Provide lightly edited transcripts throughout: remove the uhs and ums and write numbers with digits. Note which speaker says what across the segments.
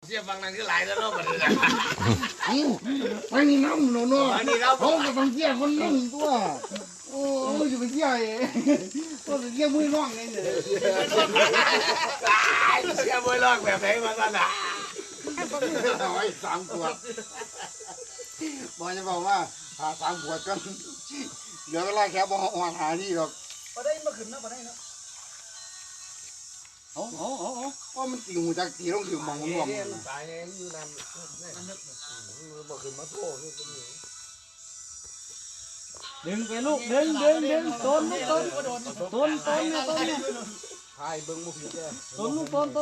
Speaker 1: เสียบางนั้นคือหลายแล้วเนาะบัดนี้นะ
Speaker 2: ไม่มีน้ำหนูเนาะเขาก็ต้องเสียคนนั่งตัวโอ้ยจะไปเสียก็จะเสียมือร่องไงเนี่ย
Speaker 1: เสียมือร่องแบบไหนมาสั่นอ่ะ
Speaker 2: เอาไว้3 ขวดบอกจะบอกว่าหา3 ขวดกันเดี๋ยวเวลาแค่บอกหานี่หรอก
Speaker 3: พอได้มาขึ้นนะพอได้นะ
Speaker 2: ว่ามันตีหูจากตีต้องถือมองรวม
Speaker 1: ตายยังอยู่นั่นบ่ขึ้นมาโต้นี่ก็มี
Speaker 3: ดึงไปลูกดึงต้นเนี่ยต้น
Speaker 1: ทายเบิ่งบ่ผิดเด้อ
Speaker 3: ต้น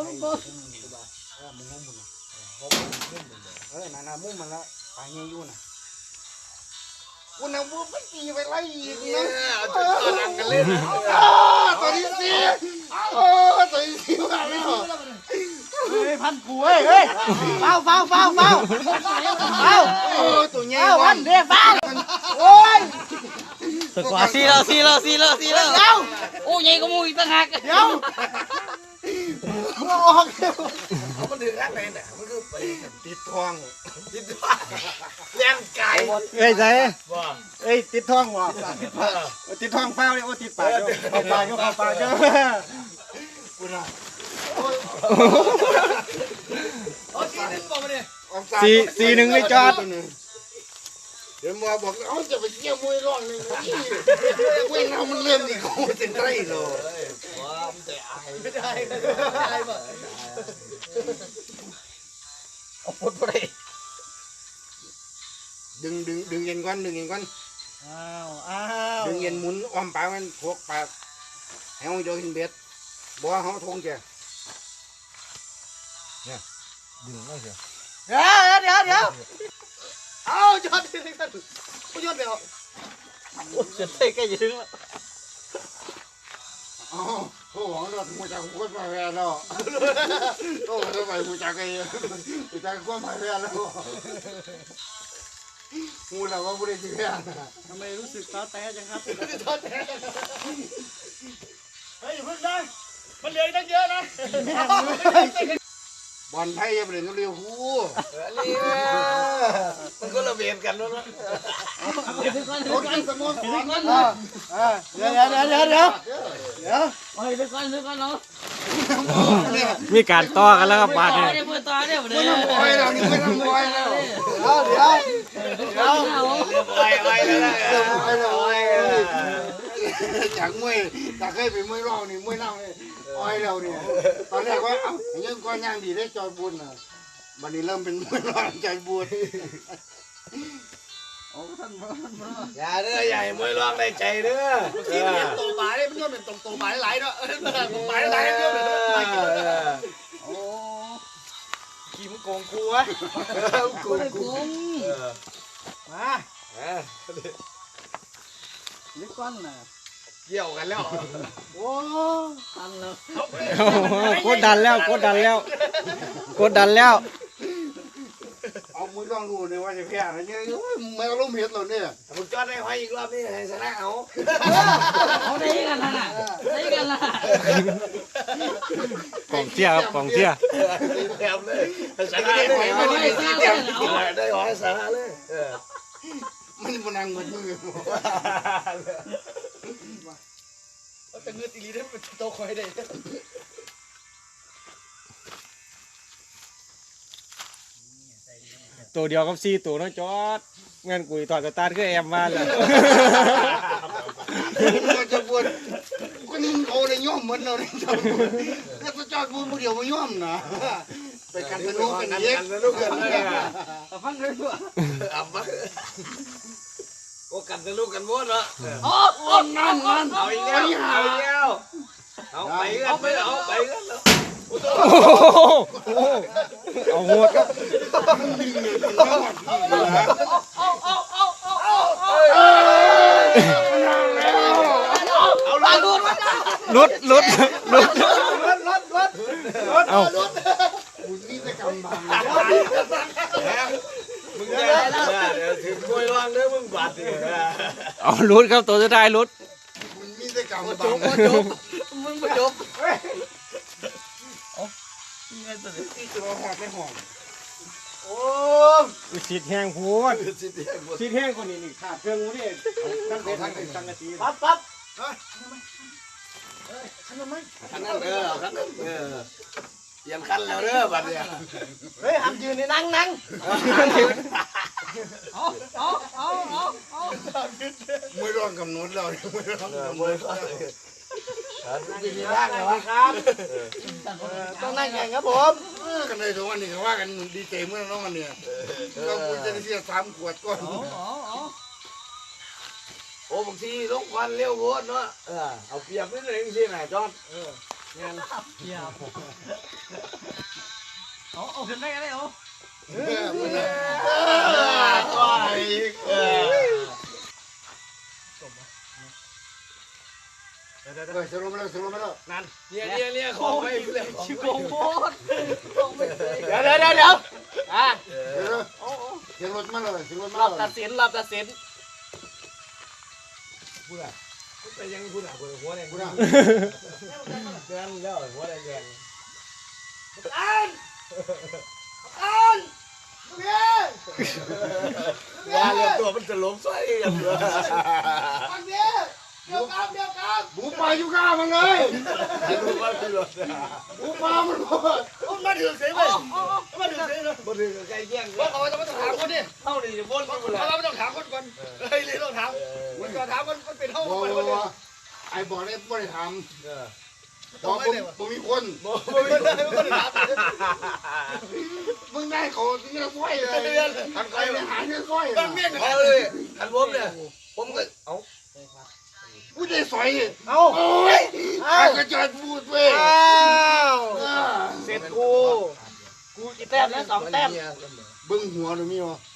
Speaker 2: น่ะมุ้งมันละไปเงี้ยอยู่น่ะคุณน่ะบ่ไปตีไปไล่อีกนะ
Speaker 1: ตัวนั่งกันเล่น
Speaker 2: ตัวนี้สิตัวนี้สิว่าแล้ว
Speaker 3: พันกูเฮ้ยเฝ้า
Speaker 2: ตัวใหญ่
Speaker 3: พันเรียกบ้าโอ้ยสกว่าซีแล้วโอ้ยใหญ่ก็มูอีกต่างหากเดี๋ยว
Speaker 1: มันถึงรักไหนน่ะมันคือไปติดทองแรงไก่
Speaker 2: เอ้ยใจ
Speaker 1: บ่
Speaker 2: ติดท้องว่ะติดท้องเฝ้าเลยติดปากเข้าปากคุณน่ะ4-1ไม่จอดเดี๋ยวมาบอกเอาจะไปเกี่ยวมวยร่องนึงเว้ยน้ำมันเริ่มดีกูเส้นไรเลย
Speaker 1: ว้ามันจะอาย
Speaker 3: ไม่ได้บ่
Speaker 1: เอาปดบ่ได้
Speaker 2: ดึงเย็นก่อน
Speaker 3: อ้าว
Speaker 2: ดึงเย็นหมุนอ้อมปากมันพวกปากให้เขาโยนเบ็ดบ่เขาทงแกเนี่ยดึงไม่เสีย
Speaker 3: เดี๋ยวเอายอดที่ท่านผู้ยอดเดี๋ยวโอ้จะเตะแกอยู่ถึงแล้ว
Speaker 2: ผู้หวังเราถูกจากคนมาแพ้แล้วโอ้ทำไมถูกจากไอ้ถูกจากคนมาแพ้แล้วงูเราว่าผู้ใดจะแพ้
Speaker 3: ทำไมรู้สึกท้อแท้จังครับท้อแท้เฮ้ยอย่าเพิ่งได้มันเหลือตั้งเยอะนะ
Speaker 2: บอลไทยยังเป็นเร็วหู
Speaker 1: มันก็ระเบียบกันแล้วนะ
Speaker 2: โอ้ยสมองเ
Speaker 3: ดี๋ยวโอ้ยเดี๋ยวก่อนเนาะ
Speaker 4: มีการต่อกันแล้วครับบาดเนี่ย
Speaker 3: เปิดต่อเนี่ย
Speaker 2: ไม่ต้องบอยแล้วนี่ไม่ต้องบอยแล้วเดี๋ยวจากมวยจากเคยไปมวยรองนี่มวยนั่งเลยอ้อยเราเนี่ยตอนแรกว่าเอ้ายังก้อนย่างดีได้จอยบุญน่ะวันนี้เริ่มเป็นมวยรองจอยบุญ
Speaker 3: โอ้ท่าน
Speaker 1: อย่าเด้อใหญ่มวยรองในใจเด้อ
Speaker 3: ที่เป็นโตปลาเนี่ยมันย่อเป็นโตปลาหลายเนาะโตปลาหลายเยอะเลยโอ้ขี้มันโกงกูวะกูมาลึกก้อนน่ะ
Speaker 1: เกี่ยวกันแล้ว
Speaker 3: โอ้ตันแล้ว
Speaker 4: กดดันแล้ว
Speaker 2: เอามือลองดูเลยว่าจะแพ้อะไรเนี่ยไม่เอาล้มเห็ดเราเนี่ย
Speaker 1: มึงจอดได้หอยอีกรอบนี่ให้ชนะเอา
Speaker 3: ได้กันนะ
Speaker 4: กองเชียร์ครับกองเชียร์
Speaker 1: แถมเลยชนะได้หอยได้หอยชนะเลย
Speaker 2: มันมันนั่งมือ
Speaker 3: แต่เงือกตีลีได้เป็นโตคอยได้
Speaker 4: ตัวเดียวกับ4 ตัวน้องจอดเงินกุยต่อสตาร์ทคือแอมมาเลย
Speaker 2: จะปวดก็นี่เอาในย่อมเหมือนเราเนี่ยก็จอดพูดเดียวมาย่อมนะไปกันสนุกกันเยอะ
Speaker 3: ฟังเลยตัว
Speaker 1: ฟังโอ้กันสนุกกันม้วนเนาะ
Speaker 3: โอ้นั่น
Speaker 1: เอาอีกแล้วเอาไปกันแล้ว
Speaker 4: เอาหัวครับลุดเอา
Speaker 2: นี่จะกำบัง
Speaker 1: มึงเดี๋ยวถึงมวยร่างเด้อมึงบาดดิ
Speaker 4: เอาลุดครับตัวสุดท้ายลุด
Speaker 2: นี่จะกำบัง
Speaker 3: มึงมาจบ
Speaker 2: นี่ไงตัวนี้ที่ตัวหอดไม่หอม
Speaker 3: โอ้
Speaker 4: สิทธิ์แห้งพูด
Speaker 1: สิเดียวหมด
Speaker 4: สิทธิ์แห้งคนนี้นี่ขาดเครื่องมือนี่ทั้งเป็นทั้งเป็นสังกะสี
Speaker 3: ปั๊บขันทำไม
Speaker 1: คันนั้นคันนั้นเปลี่ยนคันแล้วเด้อบัดเนี่ย
Speaker 3: เฮ้ยห้ามยืนในนั่ง
Speaker 2: ไม่ร้องกำหนดเราไม่ร้องกำหนด
Speaker 1: ดีดีร่างเลยวะ
Speaker 3: ครับต้องนั่งแข่งครับผม
Speaker 2: กันเลยทุกวันนี้ก็ว่ากันดีใจเมื่อน้องกันเนี่ยเราควรจะได้เสีย3 ขวดก่อน
Speaker 1: โอ้บางทีลงควันเร็วโคตรเนาะเอาเปรียบนิดนึงสิแม่จอดงาน
Speaker 3: เอาขึ้นได้กันได้เหรอ
Speaker 1: ก็อีก
Speaker 2: สรุปแล้ว
Speaker 1: นั่นเนี่ยของไม่เลย
Speaker 3: ชิโกงโคตรเดี๋ยวอ่ะ
Speaker 2: เสียงรถมาเลยเสียงรถ
Speaker 3: ร
Speaker 2: มา
Speaker 3: อบ
Speaker 2: เล
Speaker 3: ตั
Speaker 2: ย
Speaker 3: ดสิน
Speaker 1: พูดอะไปยังพูดอะหัวแดง
Speaker 2: กูนะ
Speaker 1: เดือนแล้วหัวแดง ว่าเรื่องตัวมันจะล้มซอยอย่างเดียว
Speaker 2: หมูปลาอยู่ก้ามันเลย
Speaker 1: รู้ว่าพี่รถ
Speaker 2: หมูปลามันหมด
Speaker 3: มาถึงเสียเลยมาถึงเสียเลย
Speaker 1: บ่ถึงใกล้แย่ง
Speaker 3: ว่าเขาจะมาถามคนดิ
Speaker 1: เท่านี้จะวนกันหมดเลย
Speaker 3: เขาไม่ต้องถามคนก่อนเฮ้ยเลยต้องถามมันก็ถามมันเป็นเท่า
Speaker 2: บอก
Speaker 3: คน
Speaker 2: ว่าไอ้บอกได้ไม่ได้ทำบอกผมมีคน มึงได้เขาที่นี่สร้อยเลยทำใครไปหาเงินสร้อย
Speaker 3: เมี่ยง
Speaker 1: เอาเลยอันผมเนี่ยผมก็เอา
Speaker 2: กูได้สอย
Speaker 3: เอา
Speaker 2: โอ้ยข้าก็จอดพูดเว้ย
Speaker 3: เสร็จกูกี่แต้มแล้ว2 แต้ม
Speaker 2: เบิ้งหัวหรือมีวะ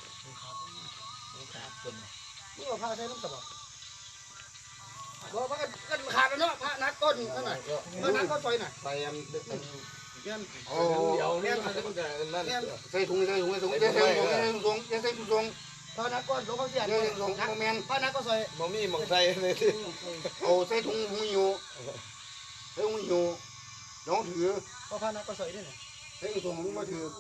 Speaker 3: นี่ว่าพาใช้น้ำตาบอกว่ากันขาดแล้วเนาะพระนักก้นเท่าไหร่นักก้นซอยหน่อย
Speaker 1: ใส่อัน
Speaker 2: โอ้
Speaker 1: เดี๋ยวเนี่ยมันจะนั่น
Speaker 2: ใส่ถุงอย่าใส่ถุงอย่าใส่ถุง
Speaker 3: พระนักก้นหลวงพ่อเสีย
Speaker 2: อย่าใส่ถุงแมน
Speaker 3: พระนักก้นซอย
Speaker 1: มมีมองใส่เลย
Speaker 2: เอาใส่ถุงหูอยู่ใส่ถุงอยู่น้องถือ
Speaker 3: พระนักก้นซอยนี่
Speaker 2: ใส่ถุงมึงมาถือ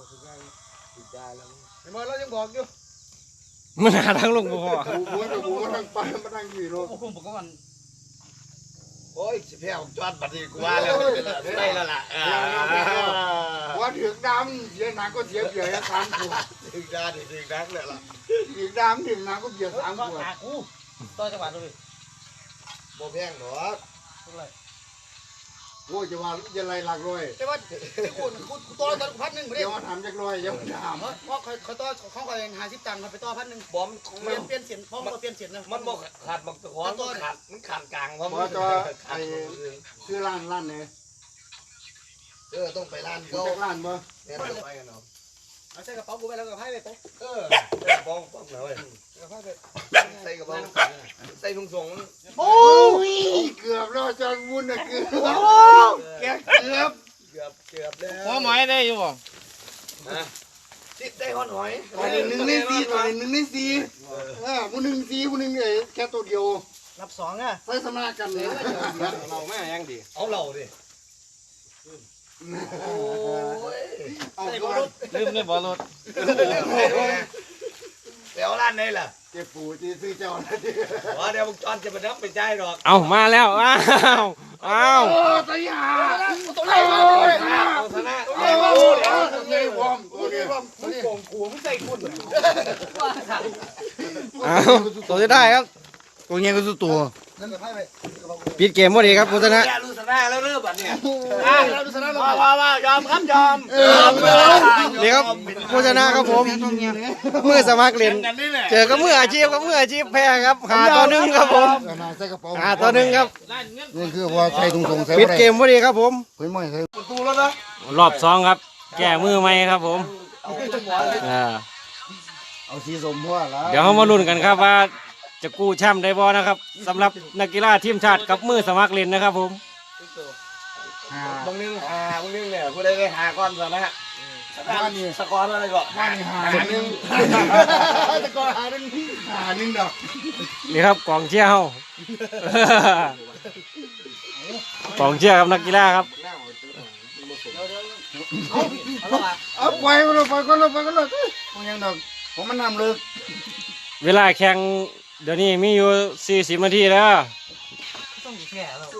Speaker 3: เห็นไหมเรายังบอกอยู่
Speaker 4: มันหาทางลงบ่พอ
Speaker 2: กูมาตั้งไปมาตั้งอยู่เนาะ
Speaker 3: โอ้โหผมก็มัน
Speaker 1: โอ้ยแพ้ผมจอดบัดนี้กูว่าแล้วได้แล้วล่ะ
Speaker 2: ว่าถือดำเสียหนักก็เสียเบียร์3 ขวด
Speaker 1: ถึงด้านถึงนักเลยล่ะ
Speaker 2: ถือดำถือหนักก็เบียร์3 ขวด
Speaker 3: กูต่อจังหวัดเลย
Speaker 1: บ่แพงหรอก
Speaker 2: โอ้ยจะว่าจะไรหลักร้อย
Speaker 3: แต่ว่ากูต่อตอน1,000ไม่ได้
Speaker 2: เดี๋ยวมาถามจักร้อยเดี๋ยวมาถาม
Speaker 3: เพราะเขาต่อเขาคอย50 ตังค์เขาไปต่อ1,000
Speaker 1: บอม
Speaker 3: เปลี่ยนเสียงพ่อมาเปลี่ยนเสียงนะ
Speaker 1: มันบ่ขาดบักตะขอนมันขาดกลางเพราะ
Speaker 2: เพราะตัวไอ้ชื่อร้านเนี่ย
Speaker 1: ต้องไปร้าน
Speaker 2: รู้
Speaker 1: เขา
Speaker 2: จักร้านบ่
Speaker 1: เนี่ยไปกันเนาะ
Speaker 3: เอาใส่กระเป๋ากูไปแล้วกับไพ่ไป
Speaker 1: ใส่ป้องหน่อย
Speaker 3: กับไพ่ไป
Speaker 1: ใส่กระเป๋าใส่ถุงส่ง
Speaker 2: โอ้ยเกือบแล้วจอนวุ่นน่ะเกือบเกือบ
Speaker 1: เกือบแล้ว
Speaker 4: หัวหมอยได้อยู่บ่
Speaker 1: ติดได้หอนหอย
Speaker 2: ตอนนี้1 ใน 4ตอนนี้1 ใน 4ผู้หนึ่ง4ผู้หนึ่งแค่ตัวเดียว
Speaker 3: รับ2อ่ะ
Speaker 2: ใส่สมากันเลย
Speaker 4: เราแม่ยังดี
Speaker 1: เอาเหล่าดิโอ้ย
Speaker 2: เอา
Speaker 3: ใส่
Speaker 2: ก่
Speaker 3: บอ
Speaker 2: อ
Speaker 3: ล
Speaker 2: น
Speaker 4: ลืมเลยบ่รถ
Speaker 1: เดี๋ยวร้านไหนล่ะ
Speaker 2: เจ็บปูที่ซื้อเจ้านะดิ
Speaker 1: เดี๋ยวมึงจอนจะมานับไปใจหรอก
Speaker 4: เอามาแล้วอ้าว
Speaker 2: โอ้ตายห่า
Speaker 3: ตัวไหนมา
Speaker 2: โอ้ย
Speaker 1: เอาชนะ
Speaker 2: โอ้ยตัวใหญ่พร้อมตัวนี้
Speaker 1: มึงโกงกูมึงใส่คุณ
Speaker 4: เอาตัวจะได้ครับ
Speaker 2: ตัวใหญ่ก็สุดตัว
Speaker 3: นั่นกับไพ่ไป
Speaker 4: ปิดเกมบ่ดีครับพุทธนะ
Speaker 1: แกรู้ชนะแล้วเริ่มบัดเนี่ย
Speaker 3: เราดูสนามว่ายอมครับยอม
Speaker 4: นี่ครับพุทธนะครับผมมือสมัครเล่น
Speaker 1: กันนี่แหละ
Speaker 4: เจอกับมืออาชีพกับมืออาชีพแพ้ครับ5-1ครับผม
Speaker 2: ใส่กระเป๋า
Speaker 4: 5-1ครับ
Speaker 2: นี่คือว่าใส่ถุงส่งใส่
Speaker 4: ปิดเกมบ่ดีครับผม
Speaker 2: เพิ่นไม่ใส่
Speaker 1: ตูแล้วนะ
Speaker 4: รอบ2ครับ แก้มือใหม่ครับผมอ่า
Speaker 2: เอาสีสมพัวแล้ว
Speaker 4: เดี๋ยวเรามาลุ้นกันครับว่าจะกู้แชมป์ได้บ่นะครับสำหรับนักกีฬาทีมชาติกับมือสมัครเล่นนะครับผม
Speaker 1: บางนึงบางนึงเนี่ยกูได้หาก้อนซะนะสกอร์อะไรก่อน
Speaker 2: ว่านี่หาหนึ่งตะกอนหาหนึ่งดอก
Speaker 4: นี่ครับกองเชียร์เฮา กองเชียร์ครับนักกีฬาครับ
Speaker 3: เอา
Speaker 2: ปล่อยมันปล่อยก็เลยมันยังดอกผมมันน้ำลึก
Speaker 4: เวลาแข่งเดี๋ยวนี้มีอยู่40นาทีแล้ว
Speaker 3: ต้องแก่แล้ว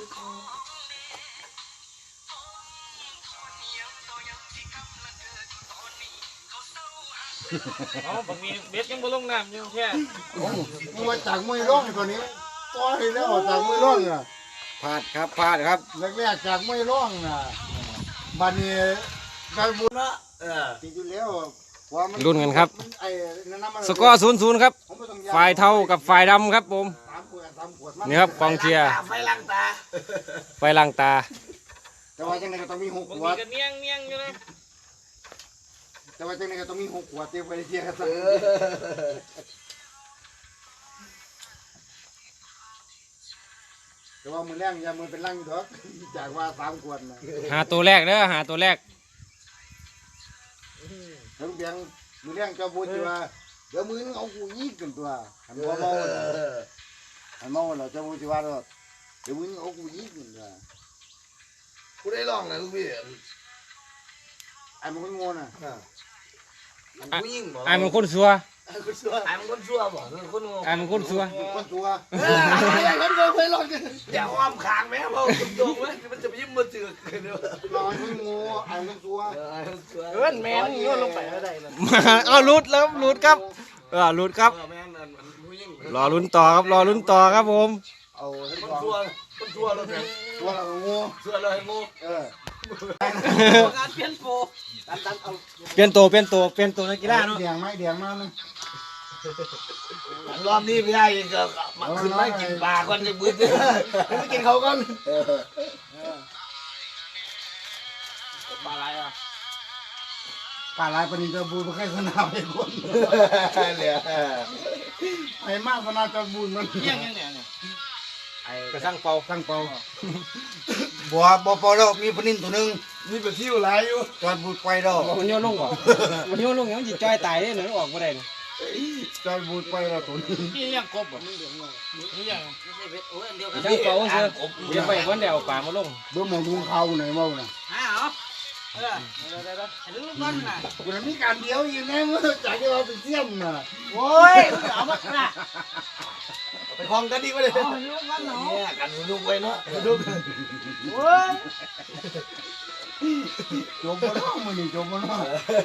Speaker 4: อ๋อบางมีเบ็ดยังบ่ลงน้ำยังแค่
Speaker 2: มึงมาจากมวยร่องตัวนี้ต่อยแล้วจากมวยร่องอ่ะ
Speaker 1: พลาดครับ
Speaker 2: แรกๆจากมวยร่องน่ะบัดนี้ได้บุญละจริงๆแล้วว่ามัน
Speaker 4: ลุ้นกันครับ
Speaker 2: ไอ้นั่นมัน
Speaker 4: สกอร์ 0-0 ครับ
Speaker 2: ผมไม่ต้องย้ำ
Speaker 4: ฝ่ายเทากับฝ่ายดำครับผม
Speaker 2: สามขวดมั
Speaker 4: นี่ครับกองเชียร์
Speaker 1: ไฟลังตา
Speaker 4: ไฟลังตา
Speaker 2: แต่ว่าจังไดก็ต้องมี6ขวด
Speaker 4: เนียงอยู่นะ
Speaker 2: แต่ว่าจังไดก็ต้องมี6ขวดเตรียมไว้เชียร์กันซะแต่ว่ามือแรงอย่ามือเป็นลังเถอะจากว่า3ขวดน่ะ
Speaker 4: หาตัวแรกเด้อหาตัวแรก
Speaker 2: ถึงเพียงมือแรงเจ้าพูดว่าเดี๋ยวมือนึงเอากูยิงกันตัวหันบ่เมาน่ะหันเมาแล้วเจ้าพูดว่าเดี๋ยวมือนึงเอากูยิงกันตัว
Speaker 1: กูได้ลองนะลูกพี่
Speaker 2: ไอ้มันก็งงน่ะ
Speaker 1: กูยิ่งบอก
Speaker 4: ไอ้มันคนซัว
Speaker 1: ไอ้มันคนชั่วบอกคนงง
Speaker 4: ไอ้มันคนซัว
Speaker 2: คนตัว
Speaker 1: คนงงเคยลองอย่าอ้อมขางแม่เพราะตรงๆเลยมันจะไปยิ้มมือจืดเลย
Speaker 2: นอนมันงูไอ้มันตัว
Speaker 3: เอิ้นแม่นโยนลงไปแล้วได้เลย
Speaker 4: มาเอาหลุดแล้วหลุดครับหลุดครับ
Speaker 1: แม่นั่นมันผู้ยิ่ง
Speaker 4: รอลุ้นต่อครับรอลุ้นต่อครับผม
Speaker 2: เอาทั้ง
Speaker 1: คน
Speaker 2: สอง
Speaker 1: ชั่วเลยแม่
Speaker 2: ตัวเรางู
Speaker 1: ชั่วเลยงู
Speaker 2: เออ
Speaker 3: การเปลี่ยนโฟตันเอา
Speaker 4: เปลี่ยนตัวนักกีฬาเนาะ
Speaker 2: เดียงไหมเดียงมานึง
Speaker 1: รอบนี้ไม่ได้ก็มาขึ้นไม่กินปลาก่อนจะบึ้ดไม่กินเขาก่อน
Speaker 3: ปลาอะไรอ่ะ
Speaker 2: ป่าลายปนิจะบูนใครสนามไอ้คน
Speaker 1: เนี่ย
Speaker 2: ไอ้มากสนามจะบูนมัน
Speaker 3: ยังเนี่ย
Speaker 4: กระสังเป่า
Speaker 2: ตั้งเป่าบัวบัวปอแล้วมีปนินตัวนึง
Speaker 1: นี่เป็นที่อะไรอยู่
Speaker 2: จอดบูดไปแล้ว
Speaker 4: มันโยนลงบ่มันโยนลงอย่างจิตจอยตายเลยหนูออกมาได้
Speaker 2: จอดบูดไปแล้วตัวนึง
Speaker 3: พี่เลี้ยงกบบ่นี่ยัง
Speaker 4: กระสังเป่าเสือเดี๋ยวไปวันเดียวป่ามาลง
Speaker 2: เบื้องมองลุงเขาไหนมาน่ะ
Speaker 3: อ้าวเออลูกก้อนน่ะ
Speaker 2: กูมีการเดียวอยู่ไงเมื่อจากที่เราเป็นเสี้ยนน่ะ
Speaker 3: โอ้ยเอามาน่ะ
Speaker 1: ไปคลองกันดีกว่าเลย
Speaker 3: เอาลูกก้อนเนาะ
Speaker 1: เนี่ยกันลูกไว้เนาะลูก
Speaker 3: โอ้ย
Speaker 2: จมบ่น้องมือนี่จมบ่น้อง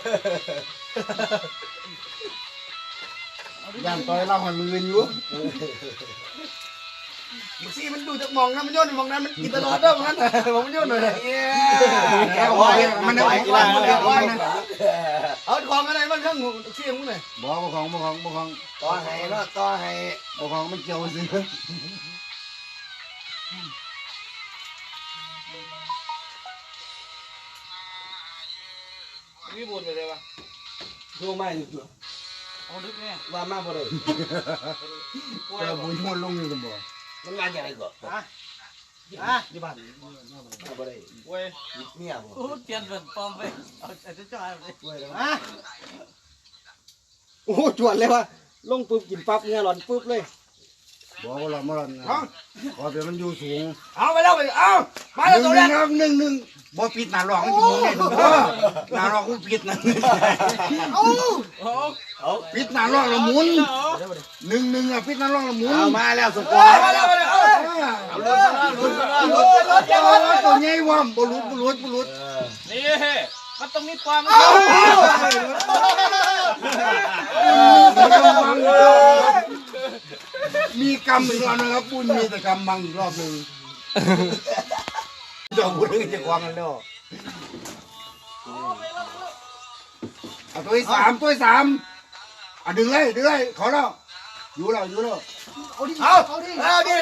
Speaker 2: ย่านต่อยเราหันมืออยู่
Speaker 1: มึงซี่มันดูจากมองนะมันโยนมองนั้นมันกินตลอดเด้อมองนั้นมองมันโยนหน่อยเลย
Speaker 2: แกเอาไว้มันเอาไว้มันเอาไว้นะ
Speaker 1: เอาของอะไรบ้างข้างซี่มึงหน่อย
Speaker 2: บ่ของ
Speaker 1: ต่อให้เนาะต่อให้
Speaker 2: บ่ของมันเกี่ยวสิ
Speaker 1: มีบุญไปเลยวะดูไม่ดู
Speaker 3: เอาดึกเนี่ย
Speaker 1: ว่ามาบ่เลย
Speaker 2: แต่บุญมันลงอยู่กันบ่
Speaker 1: มันงานอย่างไรก่อน
Speaker 3: ที่บ้าน
Speaker 1: มาบ่ได้เว้ยเมียบ่
Speaker 3: โอ้เปลี่ยนเป็นปอมไปเอาจะจ่ายไป
Speaker 1: เว้ย
Speaker 3: อ่ะ
Speaker 4: โอ้จวดเลยว่ะลงปุ๊บกินปั๊บเนี่ยหลอนปุ๊บเลย
Speaker 2: บ่ละมันขอเดี๋ยวมันอยู่สูง
Speaker 1: เอาไปแล้วไปเอามาแล้วตัวแรก
Speaker 2: ครับ1บ่ปิดหน้าหลอกมันอยู่ไงหน้าหลอกมันปิดนะปิดหน้าหลอกแล้วหมุน1อ่ะปิดหน้าหลอกแล้วหมุน
Speaker 1: เอามาแล้วสกอร์มาแล้วมาแล้วเอาลุ้นซะนะลุ้นซะนะลุ้นซะนะ
Speaker 2: ตัวใหญ่ว่ะบ่หลุด
Speaker 3: นี่มันต้องมีความ
Speaker 2: มีกรรมอีกรอบนะครับปุ้นมีแต่กรรมบังอีกรอบนึงเจ้าบุญจะควงกันแล้วเอาตัวที่สามดึงเลยขอแล้วอยู่แล้ว
Speaker 1: เอาดิ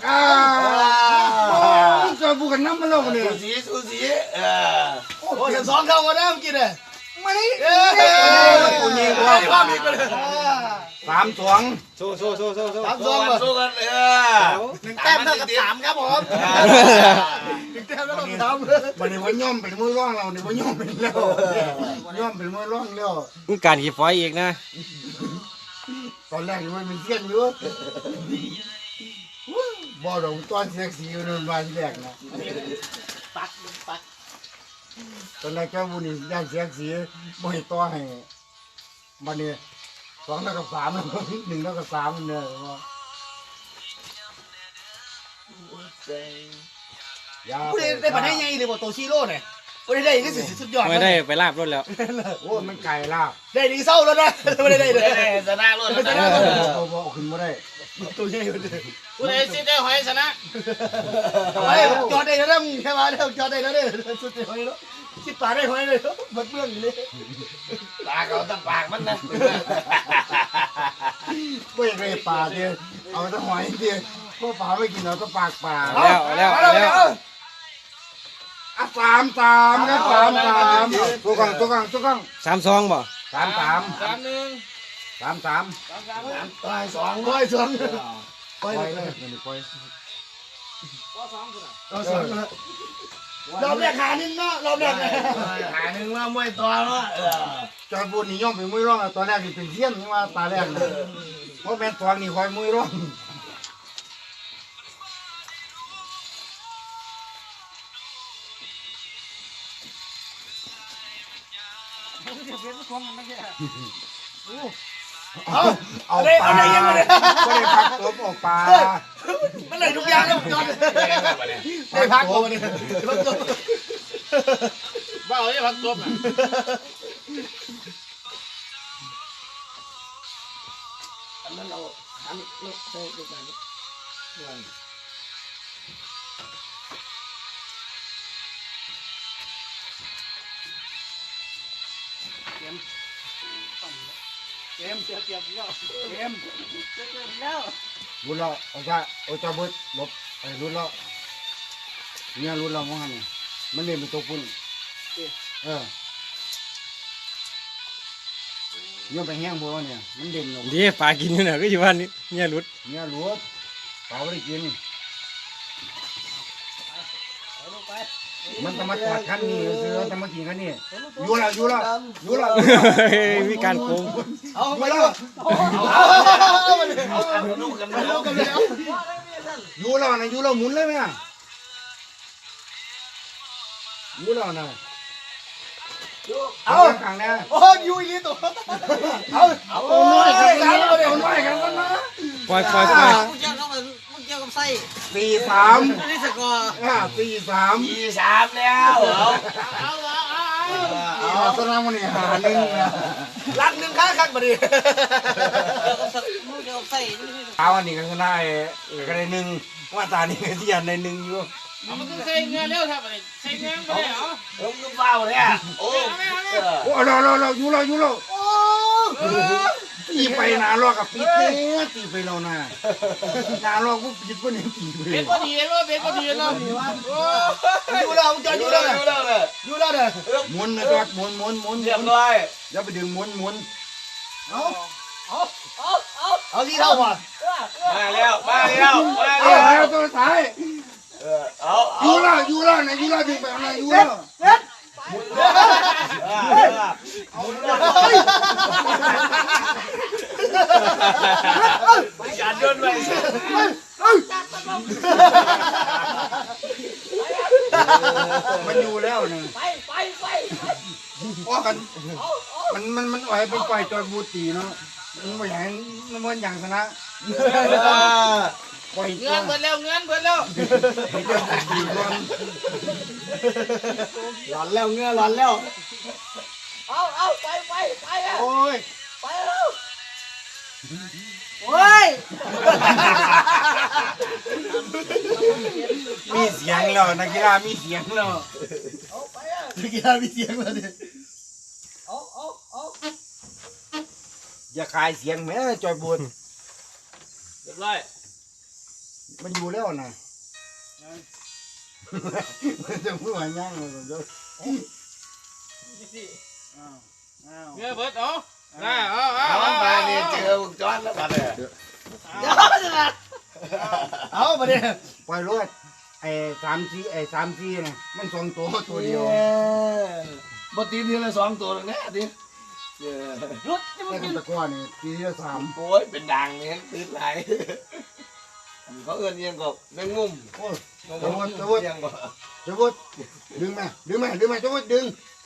Speaker 2: เจ้าบุญกันน้ำมันแล้วเนี่ย
Speaker 1: สูสีโอ้ย2เข้ามาแล้วเมื่อกี้เนี่ย
Speaker 2: มาดิ
Speaker 1: กูยิงว่ามีก็เลย
Speaker 2: 3-2
Speaker 4: โซ่
Speaker 1: 3-2สู้กัน1แต้มเท่ากับ3ครับผม1แต้มเท่ากับ3
Speaker 2: วันนี้ว่าย่อมเป็นมือร่องเราเนี่ยว่าย่อมเป็นแล้วย่อมเป็นมือร่องแล้ว
Speaker 4: มีการขี่ฟอยอีกนะ
Speaker 2: ตอนแรกมันเป็นเสี้ยนอยู่บ่ดอกตอนเสียสีมันมาที่แรกนะ
Speaker 3: ปัก
Speaker 2: ตตอนแรกเจ้าบุญนี่ย่างเสียงสีบ่ให้ต่อให้บัดนี้2เท่ากับ3แล้ว1เท่ากับ3เนี่ยอย่า
Speaker 3: ผู้ใดได้ปานได้ไงเลยบ่โตชิโร่เนี่ยผู้ใดได้ก็สุดยอด
Speaker 4: ไม่ได้ไปลาบรถแล้ว
Speaker 2: โอ้มันไก่ลาบ
Speaker 3: ได้ดีเศร้าแล้วนะไม่ได้เลย
Speaker 1: ชนะรถชนะ
Speaker 2: เอาบ่ขึ้นบ่ได้
Speaker 3: ตัวใหญ่เลย
Speaker 1: ผู้ใดสิได้หอยชนะ
Speaker 3: ไอ้จอดได้แล้วมึงแค่มาแล้วจอดได้แล้วเนี่ยสุดยอดแล้วคิดป่าได้หอยเลยหมดเรื่องเลย
Speaker 1: ปากเอาแต่ปากมันนะ
Speaker 2: บ่อยากได้ปลาเด้อเอาแต่หอยเด้อพวกปลาไม่กินเอาแต่ปากปลา
Speaker 4: แล้ว
Speaker 2: อ่ะ3-3ครับ3-3ตัวกลาง
Speaker 4: 3-2บ่
Speaker 2: 3-3
Speaker 1: 3-1
Speaker 2: 3-3
Speaker 1: ตาย2
Speaker 3: ปล่อยสอง
Speaker 2: ปล่อยเลยนี่ปล่อย
Speaker 3: รอบแรกหาหนึ่งเนาะรอบแรก
Speaker 1: หาหนึ่งแล้วมวยตัวแล้ว
Speaker 2: จอยบุญนี่ย่อมเป็นมวยร้องตอนแรกนี่เป็นเสี้ยนนี่ว่าตาแรกนะเพราะแม่นทองนี่คอยมวยร้อง เอาปลาไม่ได้พักตัวออกปลา
Speaker 3: มันเลยทุกอย่างแล้วจอดได้พักตัวเนี่ยพักตัว
Speaker 1: บ้าไอ้พักตัวน่ะ
Speaker 3: เกมเสียเปรียบแล้วเกมเสียเปรียบแล้ว
Speaker 2: รุ่นเราเอาจ้าเอาจ้าเบิดลบไอ้รุ่นเราเนี่ยรุ่นเราว่าไงมันเล่นเป็นตัวปุ่นเนี่ยไปแห้งบัวเนี่ยมันเด่นลง
Speaker 4: ดีปลากินอยู่น่ะก็อยู่บ้านนี้เนี่ยรุด
Speaker 2: เนี่ยหลวดเปล่าไม่ได้กินมันจะมาจอดคันนี้ซื้อจะมากินคันนี้อยู่แล้ว
Speaker 4: มีการโกง
Speaker 3: เอาไปดู
Speaker 1: ลูกกัน
Speaker 3: เอากันเลย
Speaker 2: อยู่แล้วนะอยู่แล้วหมุนเลยไหมอ่ะอยู่แล้วนะเอาขังนะ
Speaker 3: โอ้ยยูอีตัวเอา
Speaker 2: เอาน้อยกันนะเอาน้อยกันนะ
Speaker 4: ปล่อย
Speaker 5: มึงเกี่ยวกับไส้
Speaker 2: 4-3
Speaker 5: นี่สกอร์
Speaker 2: 4-3
Speaker 1: 2-3แล้ว
Speaker 2: เอาสนามวันนี้หาหนึ่งนะ
Speaker 3: รักหนึ่งข้างข้างมาดิ
Speaker 5: มึงเกี่ยวกับไส้นี่ไม่ใช่
Speaker 2: เอาอันนี้ก็ชนะก็ได้หนึ่งว่าตานี่ก็ที่ยันได้หนึ่งอยู่
Speaker 1: มันก็ใส่เงินเร็วครับใส่เงินไปเหรอผมก็เบาเนี่ยโอ้
Speaker 2: โอ้เราอยู่แล้วตีไปนานรอกับปิดเนี่ยตีไปเรานะนานรอกูปิดก็เนี่ยตีไป
Speaker 1: เป็นพอดีว่าเป็นพอดีเนาะ
Speaker 3: ยูแล้วจอดยูแล้วเลยยูแล้วเลย
Speaker 2: หมุนนะจอดหมุน
Speaker 1: เรียบร้อย
Speaker 2: อย่าไปดึงหมุน
Speaker 3: เอาที่เท่าก่อน
Speaker 1: มาแล้ว
Speaker 2: เอาตัวท้าย
Speaker 1: เอา
Speaker 2: อยู่แล้วนะอยู่แล้วดึงไปอะไรอยู่แล้ว
Speaker 1: การโยนไป
Speaker 2: มันอยู่แล้วนะว่ากันมันอ่อยเป็นไฟจอยบูตีเนาะมันไม่อย่างมันอย่างชนะปล่อย
Speaker 1: เงินเบิดแล้วเงินเบิดแล้ว
Speaker 2: ให้เจ้าตีก่อน
Speaker 3: หลอนแล้วเงื้อหลอนแล้ว
Speaker 5: เอาไปอ่ะ
Speaker 2: โอ้ย
Speaker 5: ไปแล้วโอ้ย
Speaker 2: มีเสียงแล้วนักกีฬามีเสียงแล้ว
Speaker 3: กีฬามีเสียงมาดิ
Speaker 5: เอา
Speaker 2: อย่าขายเสียงแม่จอยบูด
Speaker 1: เรียบร้อย
Speaker 2: มันอยู่แล้วนะมันจะพูดว่าย่างเลยเดี๋ยว
Speaker 1: เงินเบิดเอามาเนี่ยเจอวงจรแล้วบัดเนี่ย
Speaker 3: เอามาดิ
Speaker 2: ปล่อยรถไอ้3-4นะมัน2ตัวเดียว
Speaker 1: บ่ตีนทีละ2ตัวแล้วเนี่ยดิ
Speaker 5: รุดจะ
Speaker 2: แต่
Speaker 5: มึง
Speaker 2: ตะก้อนี่ทีละ3
Speaker 1: โอ้ยเป็นดังเนี่ยตีนไหลเขาเอื้อนยังกบแมงมุม
Speaker 2: โอ้ยจะวุดดึงไหมจะวุดดึง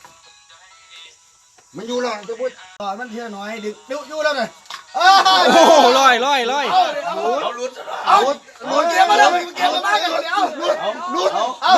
Speaker 2: มันอยู่แล้วจะพูด
Speaker 3: ตอนมันเที่ยวน้อยดึกอยู่แล้วเนี่ย
Speaker 4: โอ้โหลอย
Speaker 1: เอาลุ้น
Speaker 3: เอาหมุนเกียร์มาแล้วเกียร์มากันเลยเอาลุดเอา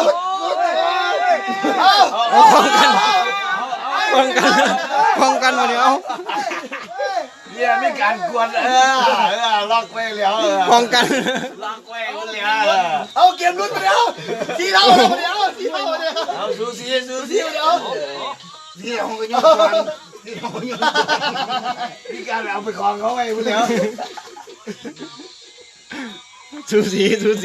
Speaker 4: ป้องกันมาเดี๋ยว
Speaker 1: เนี่ยมีการกวนล็อกไว้แล้ว
Speaker 4: ป้องกัน
Speaker 1: ล็อกไว้แล้ว
Speaker 3: เอาเกียร์ลุดมาแล้วทีเท่ามาแล้วทีเท่ามาแล้ว
Speaker 1: เอาซูซี่
Speaker 3: เดี๋ยว
Speaker 2: ที่เราก็ยังฟันที่เรายัง
Speaker 1: มีการเอาไปคลองเขาไว้แล้ว
Speaker 4: สูสี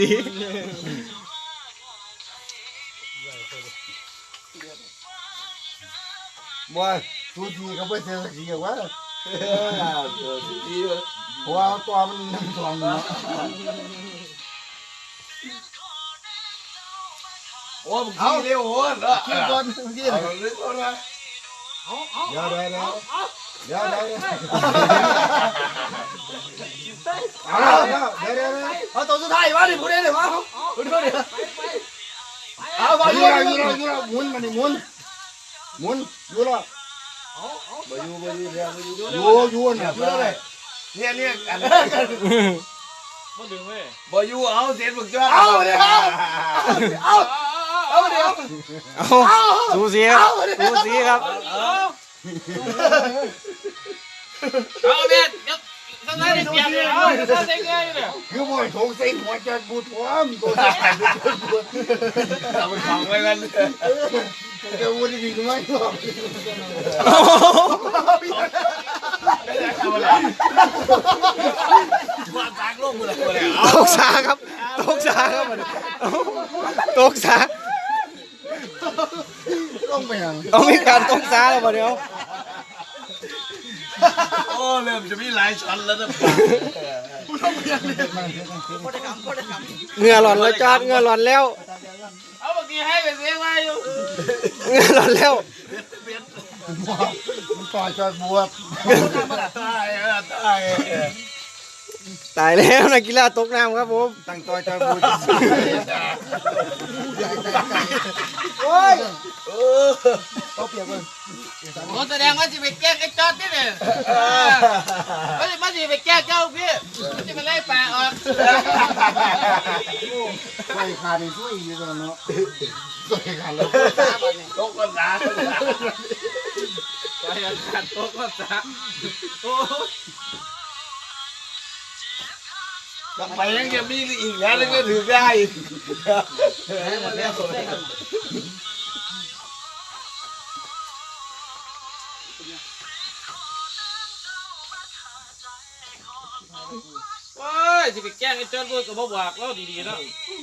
Speaker 2: บัวทุกทีเขาไปเจอสีกับว่า
Speaker 1: ซูซี่
Speaker 2: เพราะว่าตัวมันน้ำทองเนาะ
Speaker 1: โอ้มึงขี้เร็วโอ้เนาะ
Speaker 2: กินก่อนกิน
Speaker 1: เอาลึกก่อนนะ
Speaker 2: เดี๋ยว
Speaker 3: เอาตัวสุดท้ายมาดิพูดได้เลยมาพูดได้เอาไป
Speaker 2: อยู่แล้วหมุนมันนี่หมุนอยู่แล้ว
Speaker 1: บ่อยู่แล้ว
Speaker 2: อยู่เนี่ย
Speaker 1: เนี่ยอันบ่อยู่เอาเสียนมึงจ้า
Speaker 3: เอาเดี๋ยวเอาเดี๋ยว
Speaker 4: สูสีครับ
Speaker 5: เอาเบ็ดทำไมได้เปรียบเลยเอาทำได้ไงเนี่ย
Speaker 2: คือบ่อยถงใส่หัวจะบูทวมตัว
Speaker 1: เอาไปคลองไว้กัน
Speaker 2: จะวนดีไหมหรอก
Speaker 1: ว่าตากลงมือเลย
Speaker 4: ตกสาครับตกสา
Speaker 2: ต้องไปยัง
Speaker 4: ต้องมีการตกสาแล้วมาเดี๋ยว
Speaker 1: โอ้เริ่มจะมีหลายชั้นแล้วนะ
Speaker 4: เหงื่อหล่อนแล้วจอดเหงื่อหล่อนแล้ว
Speaker 5: เอาเมื่อกี้ให้ไปเสียไว้อยู่
Speaker 4: เหงื่อหล่อนแล้ว
Speaker 2: มันต่อจอดบวบ
Speaker 4: ตายแล้วนักกีฬาตกน้ำครับผม
Speaker 2: ตั้งต่อจอดบวบ
Speaker 3: โอ้ย
Speaker 2: เขาเปรียบกัน
Speaker 5: โอ้แสดงว่าจะไปแกล้งไอ้จอดนี่เนี่ยมันจะไปแกล้งเจ้าพี่มันจะมาไล่ปลาออก
Speaker 2: ช่วยขาดช่วยอยู่ตอนเนาะช่วยขาดแล้ว
Speaker 1: ตกกันนะ
Speaker 5: ไปขัดโต๊ะก็ซะโอ้
Speaker 1: ไปยังจะมีอีกแล้วก็ถือได้
Speaker 5: โอ้ยจะไปแกล้งไอ้จอดด้วยก็บอกเราดีๆเนาะ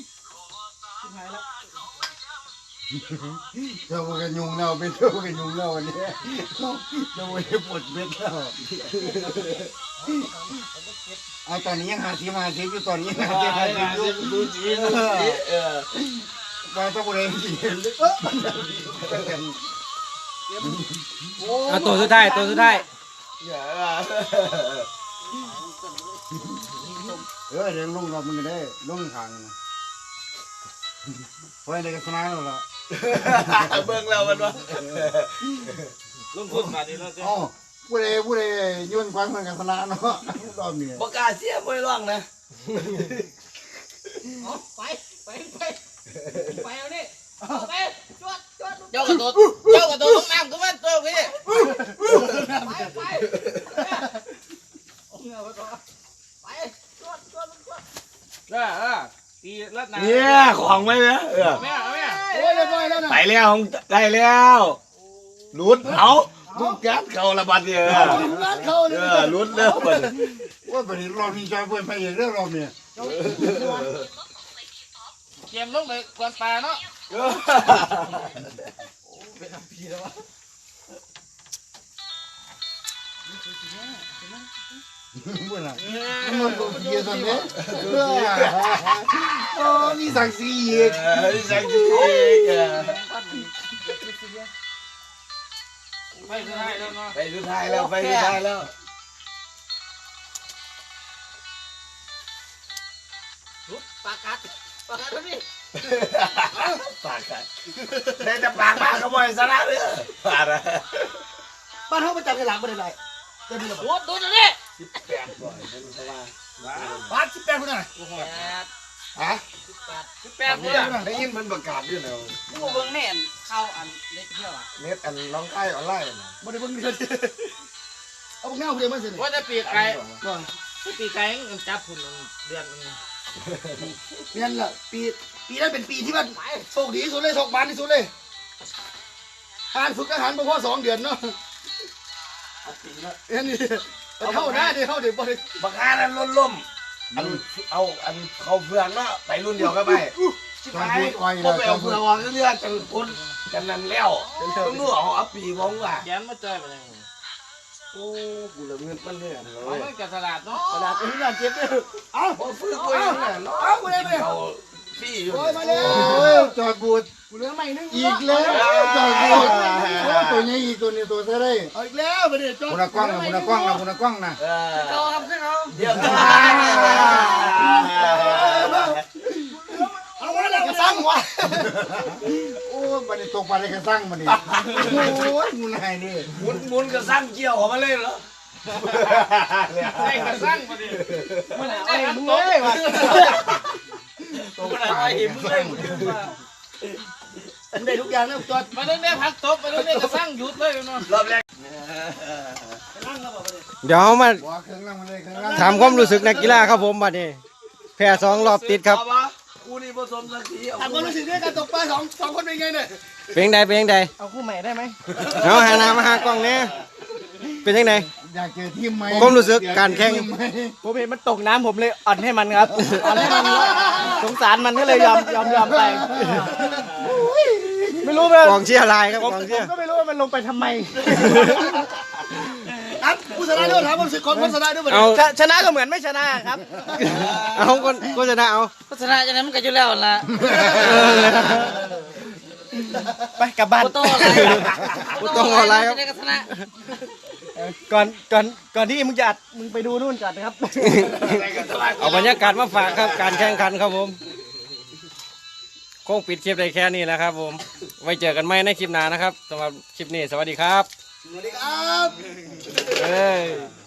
Speaker 2: เจ้ากันยุงเราเป็นเจ้ากันยุงเราวันนี้เจ้าไม่ได้ปวดเบ็ดแล้วเอาตอนนี้ยัง50อยู่ตอนนี้50อยู่
Speaker 1: ดูจี
Speaker 2: ว่าต้องบริเวณที่
Speaker 4: ตัวสุดท้าย
Speaker 2: เรื่องลงรอบมึงก็ได้ลงทางนะเพราะอะไรกันสนานแล้วล่ะ
Speaker 1: เบิ่งแล้วมันว่า
Speaker 5: ลงทุนมาดีแล้วจ้ะ
Speaker 2: อ๋อผู้ใดยื่นความเหมือนกันสนานเนาะรอบนี้
Speaker 1: ประกาศเสียไม่ร้องนะ
Speaker 5: ไปเอานี่ไปจวดเจ้ากระโดดลงน้ำก็มันตัวพี่ไปตีลัดน้ำ
Speaker 1: เนี่ยของไว้นะ
Speaker 5: แม่แม่
Speaker 3: โอ้ยเรียบร้อยแล้วนะ
Speaker 1: ไปแล้วได้แล้วลุดเอาลุดยัดเขาละบัดเนี่ย
Speaker 3: ร้านเขาเลย
Speaker 1: ลุดเด้อบัด
Speaker 2: ว่าประเดี๋ยวรอบนี้จอยเพื่อนไปเองเรื่องรอบนี้
Speaker 5: เกมลงไปกวนปลาเนาะ
Speaker 2: เมื่อไหร่มันก็เยี่ยมเลยโอ้มีสักสีอีก
Speaker 1: สักที
Speaker 5: ไปสุดท้ายแล้วเนาะ
Speaker 1: ไปสุดท้ายแล้วไปสุดท้ายแล้ว
Speaker 5: ปากกัดพี่
Speaker 1: ปากกันได้แต่ปากมากขโมยซะนะเด้อปากนะ
Speaker 3: บ้านเขาประจำกันหลังบ่ได้ไรเต็มเลย
Speaker 5: โอ้ตัวนี้
Speaker 3: บ้าน18คนน่ะ
Speaker 2: ฮะ
Speaker 5: 18คนน่ะ
Speaker 1: ได้ยินมันประกาศด้วยนะ
Speaker 5: กูเบิ่งแม่นเข้าอันเล็กเที่ยวอ่ะ
Speaker 1: เน็ตอันน้องไก่ออนไลน์นะ
Speaker 3: บ่ได้เบิ่งเดือนเอาพวกเงาเดียวมาสิ
Speaker 5: ว่าจะปีกไก่
Speaker 3: ก่อน
Speaker 5: ปีกไก่จับพุ่นเดือนนึง
Speaker 3: นั่นแหละปีนั้นเป็นปีที่มันโชคดีที่สุดเลยโชคบานที่สุดเลยการฝึกอาหารบ่พอ2 เดือนเนาะนี่เข้าหน้าดิเข้าดิบ่ได้
Speaker 1: บักฮานั้นล้มอันเอาอันเขาเพื่อนเนาะไปรุ่นเดียวกันไป
Speaker 2: จอดบูดอ้อย
Speaker 1: พอ
Speaker 2: แล้ว
Speaker 1: ไป
Speaker 2: จอ
Speaker 1: เอา
Speaker 2: ดบู
Speaker 1: เพื่
Speaker 2: ด
Speaker 1: อนวางเรื่อยๆจนคนกันนั้นแล้วต้องดูเอาปีมองว่า
Speaker 5: แกนมาเจอไปเลย
Speaker 1: โอ้กูเลยเงินมันเนี่ยเล
Speaker 5: เอา
Speaker 1: ย
Speaker 5: ไม่กับตลาดเนาะ
Speaker 3: ขนาดเป็นงานเจ็บเลยเอ้า
Speaker 1: พอฟื้นตัวเองเนี่ยเนาะ
Speaker 3: เอากูเลยไป
Speaker 1: เอาพี่อยู่
Speaker 3: โอ้ยมาเลย
Speaker 2: โอ้ยจอดบูด
Speaker 3: กูเหลือไม่นึง
Speaker 2: อีกแล้วจอดบูดโอ้ตัวนี้อีกตัวนี้ตัวเท่าไร
Speaker 3: เอาอีกแล้วมาดิจอด
Speaker 2: คุณกล้องนะคุณกล้องนะคุณกล้องนะ
Speaker 5: เขาครับขึ้นเขา
Speaker 1: เดี๋ยว
Speaker 3: เอาไว้แล้วก็สร้างวะ
Speaker 2: โอ้บันนี้ตกปลาได้กระสังบันนี้โอ้ยมึงไงนี่
Speaker 1: มุนก็สร้างเกี่ยวออกมาเลยเหรอ
Speaker 5: ได้กระสั่งมาดิมันได้หัน
Speaker 3: มึง
Speaker 5: โต๊ะ
Speaker 3: เลยวะ
Speaker 2: ตกปลาได้กระสัง
Speaker 3: มึงได้ทุกอย่างแล้วจอด
Speaker 5: มาเรื่องนี้พักตบมาเรื่องนี้กระสั่งหยุดเลยเนาะ
Speaker 1: รอบแรก
Speaker 3: นั่งแล้วบอกมาดิ
Speaker 4: เดี๋ยวเรามา
Speaker 2: บัวเครื่องล่างมาเลยเครื่องล่าง
Speaker 4: ถามความรู้สึกนักกีฬาครับผมบัดนี้แพ้2 รอบติดครับ
Speaker 1: กูนี่ผสมสักที
Speaker 3: ถามความรู้สึกด้วยการตกปลาสองคนเป็นไงเนี่ย
Speaker 4: เป็นไงเป็นยังไง
Speaker 3: เอาคู่ใหม่ได้ไหม
Speaker 4: เอาหาน้ำมาหากล้องเนี่ยเป็นยังไง
Speaker 2: อยากเจอทีมไหม
Speaker 4: ความรู้สึกการแข่ง
Speaker 2: ทีมไหม
Speaker 3: ผมเห็นมันตกน้ำผมเลยอ่อนให้มันครับอ่อนให้มันสงสารมันก็เลยยอมไปไม่รู้เลย
Speaker 4: กองเชียร์ลายครับกองเชียร์
Speaker 3: ก็ไม่รู้ว่ามันลงไปทำไมครับผู้ชนะด้วยถามความรู้สึกของคนชนะด้วย
Speaker 4: เอา
Speaker 3: ชนะก็เหมือนไม่ชนะครับ
Speaker 4: เอาคนโฆษณาเอา
Speaker 5: โฆษณาจะนั้นมันก็อยู่แล้วล่ะ
Speaker 3: ไปกลับบ้าน
Speaker 5: โฟโต้อะไร
Speaker 4: กูต้องเอาอะไรครับ
Speaker 5: ได้กระชนะ
Speaker 3: ก่อนที่มึงจะอัดมึงไปดูนู่นก่อนนะครับ
Speaker 4: เอาบรรยากาศมาฝากครับการแข่งขันครับผมคงปิดคลิปได้แค่นี้แหละครับผมไว้เจอกันใหม่ในคลิปหน้านะครับสำหรับคลิปนี้สวัสดีครับ
Speaker 3: สวัสดีครับ
Speaker 4: เอ้ย